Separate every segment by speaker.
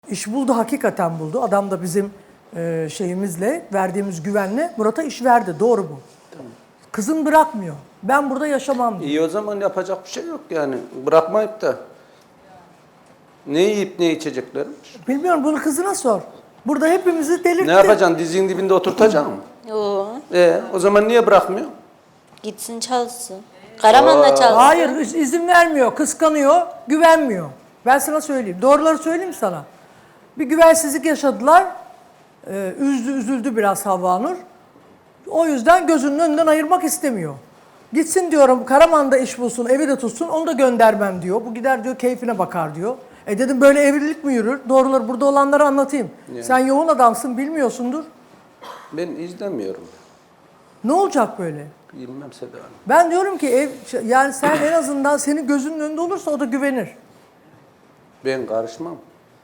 Speaker 1: İş buldu, hakikaten buldu. Adam da bizim şeyimizle, verdiğimiz güvenle Murat'a iş verdi. Doğru bu.
Speaker 2: Tamam.
Speaker 1: Kızın bırakmıyor. Ben burada yaşamam diyor.
Speaker 2: İyi, o zaman yapacak bir şey yok yani. Bırakmayıp da ne yiyip ne içeceklermiş.
Speaker 1: Bilmiyorum, bunu kızına sor. Burada hepimizi delirtti.
Speaker 2: Ne yapacaksın? Dizinin dibinde oturtacaksın mı?
Speaker 3: Yo,
Speaker 2: O zaman niye bırakmıyor?
Speaker 3: gitsin çalışsın. Karaman'da çalışsın.
Speaker 1: Hayır, izin vermiyor, kıskanıyor, güvenmiyor. Ben sana söyleyeyim. Doğruları söyleyeyim sana. Bir güvensizlik yaşadılar. Üzüldü biraz Havva-Nur. O yüzden gözünün önünden ayırmak istemiyor. Gitsin diyorum, Karaman'da iş bulsun, evi de tutsun, onu da göndermem diyor. Bu gider diyor, keyfine bakar diyor. Dedim, böyle evlilik mi yürür? Doğruları burada olanları anlatayım.
Speaker 2: Yani.
Speaker 1: Sen yoğun adamsın, bilmiyorsundur.
Speaker 2: Ben izlemiyorum.
Speaker 1: Ne olacak böyle?
Speaker 2: Bilmem Seda Hanım.
Speaker 1: Ben diyorum ki yani sen en azından senin gözünün önünde olursa o da güvenir.
Speaker 2: Ben karışmam.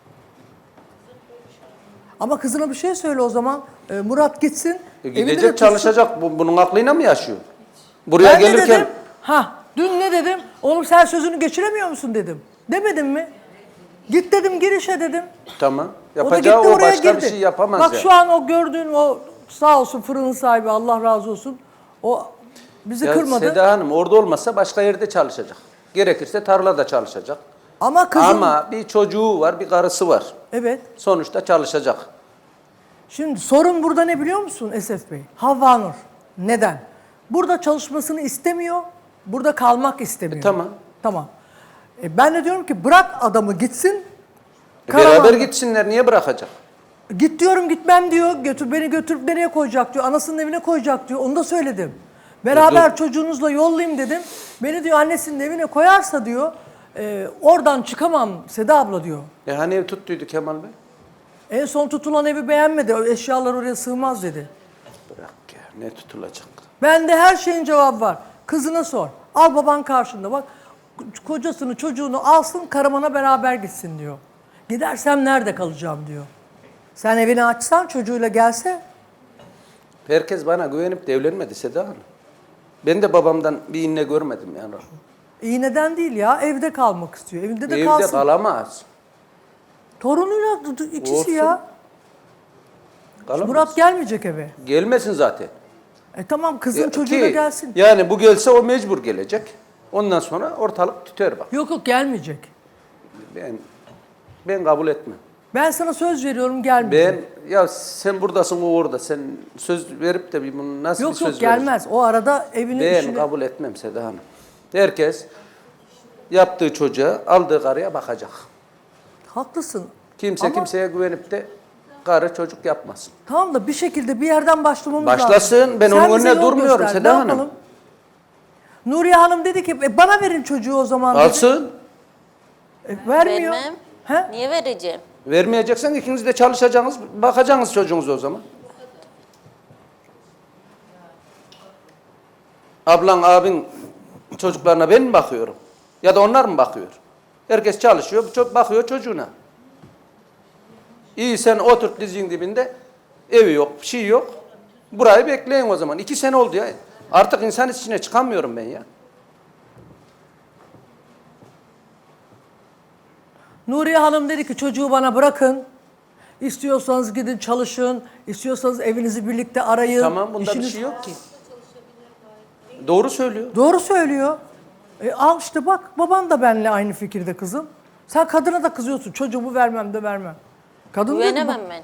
Speaker 1: Ama kızına bir şey söyle o zaman. Murat gitsin. evinde de
Speaker 2: Gidecek,
Speaker 1: tutsun.
Speaker 2: çalışacak. Bunun aklıyla mı yaşıyor? Buraya
Speaker 1: Ben ne
Speaker 2: gelirken
Speaker 1: dedim? Dün ne dedim? Oğlum sen sözünü geçiremiyor musun dedim. Demedim mi? Git dedim, gir işe dedim.
Speaker 2: tamam.
Speaker 1: O da
Speaker 2: Yapacağı
Speaker 1: gitti,
Speaker 2: o,
Speaker 1: oraya
Speaker 2: başka
Speaker 1: girdi.
Speaker 2: bir şey yapamaz
Speaker 1: Bak
Speaker 2: yani.
Speaker 1: şu an o gördüğün o sağ olsun fırının sahibi, Allah razı olsun. O bizi
Speaker 2: Ya
Speaker 1: kırmadı.
Speaker 2: Seda Hanım orada olmasa başka yerde çalışacak. Gerekirse tarlada çalışacak.
Speaker 1: Ama kızım...
Speaker 2: Ama bir çocuğu var, bir karısı var.
Speaker 1: Evet.
Speaker 2: Sonuçta çalışacak.
Speaker 1: Şimdi sorun burada ne biliyor musun Esef Bey? Havva-Nur. Neden? Burada çalışmasını istemiyor, burada kalmak istemiyor.
Speaker 2: Tamam.
Speaker 1: Tamam. Ben de diyorum ki bırak adamı gitsin.
Speaker 2: Beraber
Speaker 1: Karaman'da.
Speaker 2: gitsinler, niye bırakacak?
Speaker 1: Git diyorum, gitmem diyor. Beni götürüp nereye koyacak diyor. Anasının evine koyacak diyor. Onu da söyledim. Beraber çocuğunuzla yollayayım dedim. Beni diyor annesinin evine koyarsa diyor oradan çıkamam Seda abla diyor.
Speaker 2: Hani ev tuttuydu Kemal Bey?
Speaker 1: En son tutulan evi beğenmedi. O eşyalar oraya sığmaz dedi.
Speaker 2: Bırak ya, ne tutulacak?
Speaker 1: Bende her şeyin cevabı var. Kızına sor. Al baban karşında bak. Kocasını çocuğunu alsın, Karaman'a beraber gitsin diyor. Gidersem nerede kalacağım diyor. Sen evini açsan çocuğuyla gelse.
Speaker 2: Herkes bana güvenip de evlenmedi Seda Hanım. Ben de babamdan bir inne görmedim yani.
Speaker 1: İyi neden değil ya, evde kalmak istiyor. Evinde de
Speaker 2: Evde
Speaker 1: kalsın.
Speaker 2: kalamaz.
Speaker 1: Torunuyla ikisi
Speaker 2: Olsun.
Speaker 1: ya.
Speaker 2: Kalamaz.
Speaker 1: Murat gelmeyecek eve.
Speaker 2: Gelmesin zaten.
Speaker 1: Tamam, kızın çocuğu
Speaker 2: Ki,
Speaker 1: da gelsin.
Speaker 2: Yani bu gelse o mecbur gelecek. Ondan sonra ortalık tüter bak.
Speaker 1: Yok gelmeyecek.
Speaker 2: Ben kabul etmem.
Speaker 1: Ben sana söz veriyorum, gelmeyecek.
Speaker 2: Ya sen buradasın, o orada. Sen söz verip de bunu nasıl bir
Speaker 1: Yok
Speaker 2: söz
Speaker 1: gelmez. O arada evinin
Speaker 2: vereceksin? Ben
Speaker 1: işini...
Speaker 2: kabul etmem Seda Hanım. Herkes yaptığı çocuğa, aldığı karıya bakacak.
Speaker 1: Haklısın.
Speaker 2: Kimse
Speaker 1: Ama-
Speaker 2: kimseye güvenip de karı çocuk yapmasın.
Speaker 1: Tamam da bir şekilde bir yerden başlamamız lazım.
Speaker 2: Başlasın. Ben
Speaker 1: Sen
Speaker 2: onun
Speaker 1: bize
Speaker 2: önüne
Speaker 1: yol
Speaker 2: durmuyorum
Speaker 1: göster.
Speaker 2: Seda
Speaker 1: Ne
Speaker 2: Hanım.
Speaker 1: yapalım? Nuriye Hanım dedi ki bana verin çocuğu o zaman dedi.
Speaker 2: Alsın.
Speaker 1: Vermiyor.
Speaker 3: Vermem.
Speaker 1: He?
Speaker 3: Niye vereceğim?
Speaker 2: Vermeyeceksen ikiniz de çalışacaksınız, bakacaksınız çocuğunuza o zaman. Ablan, abin çocuklarına ben mi bakıyorum? Ya da onlar mı bakıyor? Herkes çalışıyor, bakıyor çocuğuna. İyi, sen oturt dizinin dibinde, evi yok, bir şey yok. Burayı bekleyin o zaman. 2 sene oldu ya. Artık insan içine çıkamıyorum ben ya.
Speaker 1: Nuriye Hanım dedi ki çocuğu bana bırakın. İstiyorsanız gidin çalışın. İstiyorsanız evinizi birlikte arayın.
Speaker 2: Tamam, bunda bir şey yok ki. Doğru söylüyor.
Speaker 1: Doğru söylüyor. Al işte bak, baban da benimle aynı fikirde kızım. Sen kadına da kızıyorsun. Çocuğumu vermem de vermem. Kadın diyor ki,
Speaker 3: Güvenemem ben.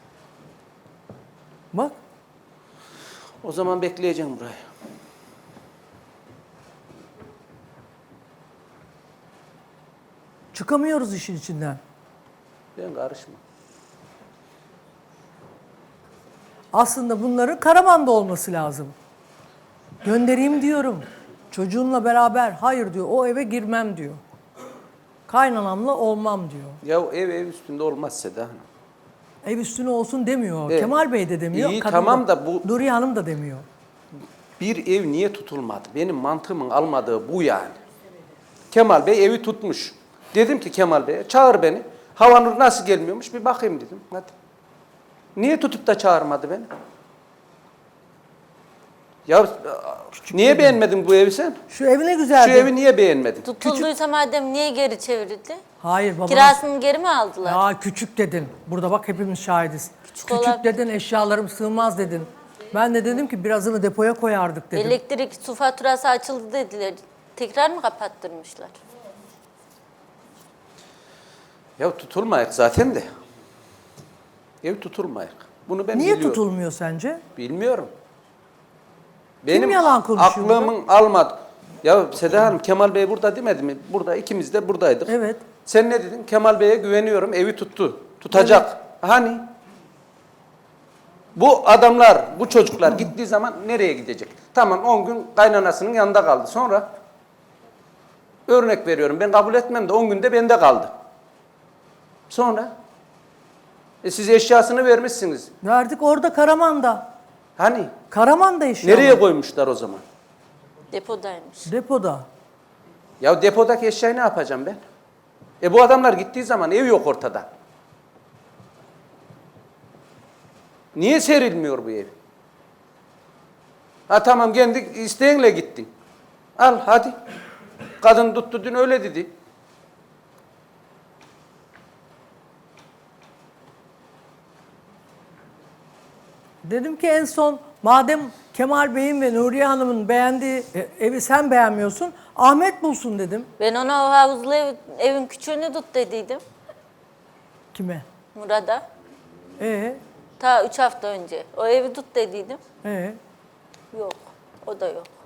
Speaker 1: bak.
Speaker 2: O zaman bekleyeceğim burayı.
Speaker 1: Çıkamıyoruz işin içinden.
Speaker 2: Ben karışmam.
Speaker 1: Aslında bunların Karaman'da olması lazım. Göndereyim diyorum. Çocuğunla beraber. Hayır diyor, o eve girmem diyor. Kaynanamla olmam diyor.
Speaker 2: Ya ev üstünde olmaz Seda Hanım.
Speaker 1: Ev üstüne olsun demiyor.
Speaker 2: Evet.
Speaker 1: Kemal Bey de demiyor.
Speaker 2: İyi,
Speaker 1: kadın
Speaker 2: tamam da bu-
Speaker 1: Nuriye Hanım da demiyor.
Speaker 2: Bir ev niye tutulmadı? Benim mantığımın almadığı bu yani. Kemal Bey evi tutmuş. Dedim ki Kemal Bey'e çağır beni. Havanur nasıl gelmiyormuş bir bakayım dedim. Hadi. Niye tutup da çağırmadı beni? Ya niye beğenmedin bu evi sen?
Speaker 1: Şu evi ne güzel.
Speaker 2: Şu evi niye beğenmedin?
Speaker 3: Tutulduysa madem niye geri çevrildi?
Speaker 1: Hayır babam.
Speaker 3: Kirasını geri mi aldılar?
Speaker 1: Ya küçük dedin. Burada bak hepimiz şahidiz. Küçük
Speaker 3: olabilir.
Speaker 1: dedin, eşyalarım sığmaz dedin. Ben de dedim ki birazını depoya koyardık dedim.
Speaker 3: Elektrik su faturası açıldı dediler. Tekrar mı kapattırmışlar?
Speaker 2: Ya tutulmayak zaten de. Ev tutulmayak. Bunu ben
Speaker 1: Niye
Speaker 2: biliyorum.
Speaker 1: tutulmuyor sence?
Speaker 2: Bilmiyorum.
Speaker 1: yalan konuşuyor
Speaker 2: aklımın almadı. Ya Seda Hanım, Kemal Bey burada demedi mi? Burada, ikimiz de buradaydık.
Speaker 1: Evet.
Speaker 2: Sen ne dedin? Kemal Bey'e güveniyorum, evi tuttu. Tutacak. Hani? Bu adamlar, bu çocuklar gittiği zaman nereye gidecek? Tamam, 10 gün kaynanasının yanında kaldı. Sonra örnek veriyorum, ben kabul etmem de 10 günde bende kaldı. Sonra siz eşyasını vermişsiniz.
Speaker 1: Verdik orada Karaman'da.
Speaker 2: Hani?
Speaker 1: Karaman'da eşya.
Speaker 2: Nereye koymuşlar o zaman?
Speaker 3: Depodaymış.
Speaker 1: Depoda.
Speaker 2: Ya depodaki eşyayı ne yapacağım ben? Bu adamlar gittiği zaman ev yok ortada. Niye serilmiyor bu ev? Ha tamam, kendi isteğinle gittin. Al hadi. Kadın tuttu dün öyle dedi.
Speaker 1: Dedim ki en son madem Kemal Bey'in ve Nuriye Hanım'ın beğendiği evi sen beğenmiyorsun, Ahmet bulsun dedim.
Speaker 3: Ben ona o havuzlu evin küçüğünü tut dediydim.
Speaker 1: Kime?
Speaker 3: Murat'a.
Speaker 1: Ee,
Speaker 3: Ta 3 hafta önce. O evi tut dediydim.
Speaker 1: ee.
Speaker 3: Yok. O da yok.